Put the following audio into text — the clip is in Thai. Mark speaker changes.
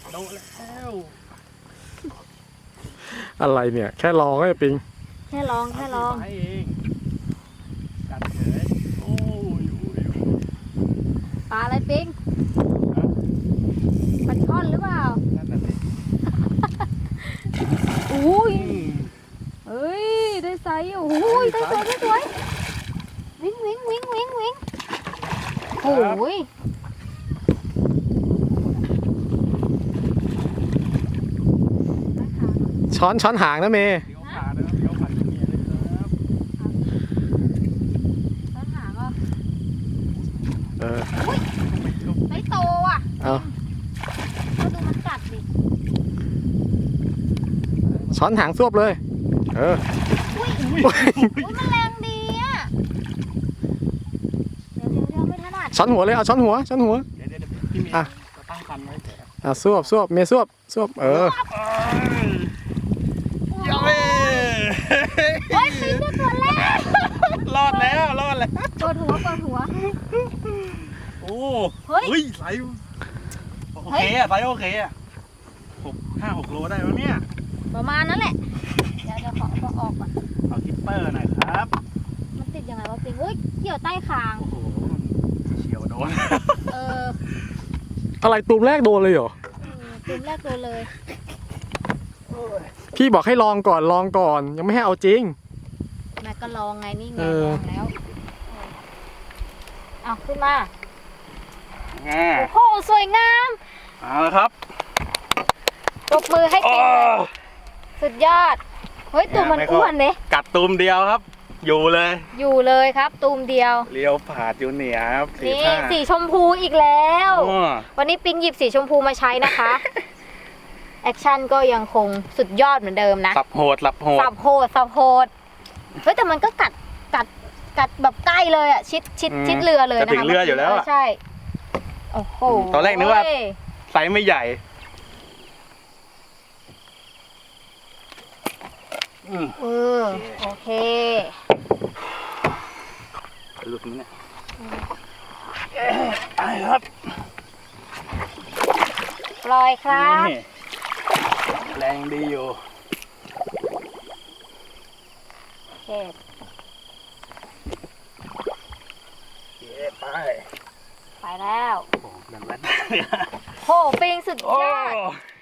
Speaker 1: โดนแล้ว
Speaker 2: อะไรเนี่ยแค่ลองไอ้ปิง
Speaker 3: แค่ลอง
Speaker 1: ไปเองกัดเฉยโอ้ย
Speaker 3: ปลาอะไรปิงปลาช่อนหรือเปล่า
Speaker 1: นั่นน่ะสิ
Speaker 3: อุ้ยเฮ้ยได้ไซส์โอ้ยได้สวยวิ่งโอ้ย
Speaker 2: ช้อนหางนะเมย์
Speaker 1: เดี๋ยวขานะครับเดี๋ยวขาจะเมียเลยครับ
Speaker 3: ช้อนหางอ่ะ ไม่โตอ่ะ
Speaker 2: เอา
Speaker 3: ก็ดูมันกัดดิ
Speaker 2: ช้อนหางซวบเลย
Speaker 3: อุ้ยมันแรงดีอ่ะเดี๋ยวไม่ถนัด
Speaker 2: ช้อนหัวเลยเอาช้อนหัว
Speaker 1: เดี๋ยวพี่เมียจะตั้งคันไว้เถอะ
Speaker 2: ซวบเมย์ซวบ
Speaker 1: ยังไม่
Speaker 3: โอ้ยปิงได้ตัวแรก
Speaker 1: รอดแล้ว
Speaker 3: เปิดหัว
Speaker 1: โอ้
Speaker 3: เฮ้ย
Speaker 1: ไซส์โอเคอะไซส์โอเคอะ5-6 โลได้แล้วเนี่ย
Speaker 3: ประมาณนั้นแหละเดี๋ยวขอออกก่อน
Speaker 1: เอาคิปเปอร์หน่อยครับ
Speaker 3: มันติดยังไงวะปิงอุ้ยเกี่ยวใต้คาง
Speaker 1: โอ้โหเฉียวโดน
Speaker 2: อะไรตูมแรกโดนเลยเหรอ
Speaker 3: ตุ่มแรกโดนเลย
Speaker 2: พี่บอกให้ลองก่อนยังไม่ให้เอาจริง
Speaker 3: แม่ก็ลองไงนี่ไง
Speaker 2: เอ
Speaker 3: ล
Speaker 2: อ
Speaker 3: องแล้วเอาขึ้นมา
Speaker 1: แง่
Speaker 3: โอ้โหสวยงาม
Speaker 1: เอาละครับ
Speaker 3: ปรบมือให้ปิงสุดยอดเฮ้ยตุ่มมันอ้วนเนี่ย
Speaker 1: กัดตูมเดียวครับ อยู่เลย
Speaker 3: อยู่เลยครับตุ่มเดียว
Speaker 1: เลี้ยวผาดอยู่เหนียครับ
Speaker 3: นี่สีชมพูอีกแล้ว
Speaker 1: อ๋อ
Speaker 3: วันนี้ปิงหยิบสีชมพูมาใช้นะคะ แอคชั่นก็ยังคงสุดยอดเหมือนเดิมนะ
Speaker 1: สับโหด
Speaker 3: สับโหดเฮ้ยแต่มันก็กัดแบบใกล้เลยอ่ะชิดเรือเลยนะคะ
Speaker 1: จะถึงเรืออยู่แล้วอะ
Speaker 3: ใช่โอ้โห
Speaker 1: ตอนแรกนึกว่า ไซส์ไม่ใหญ่
Speaker 3: โอเค
Speaker 1: หลุดมั้ยเนี่ยไปครับ
Speaker 3: ปล่อยครับ
Speaker 1: นี่แรงดีอยู่
Speaker 3: โอเค
Speaker 1: ไป
Speaker 3: ไปแล้ว
Speaker 1: โอ้ดันแรด
Speaker 3: โหปิงสุด
Speaker 1: โอ้
Speaker 3: ยอด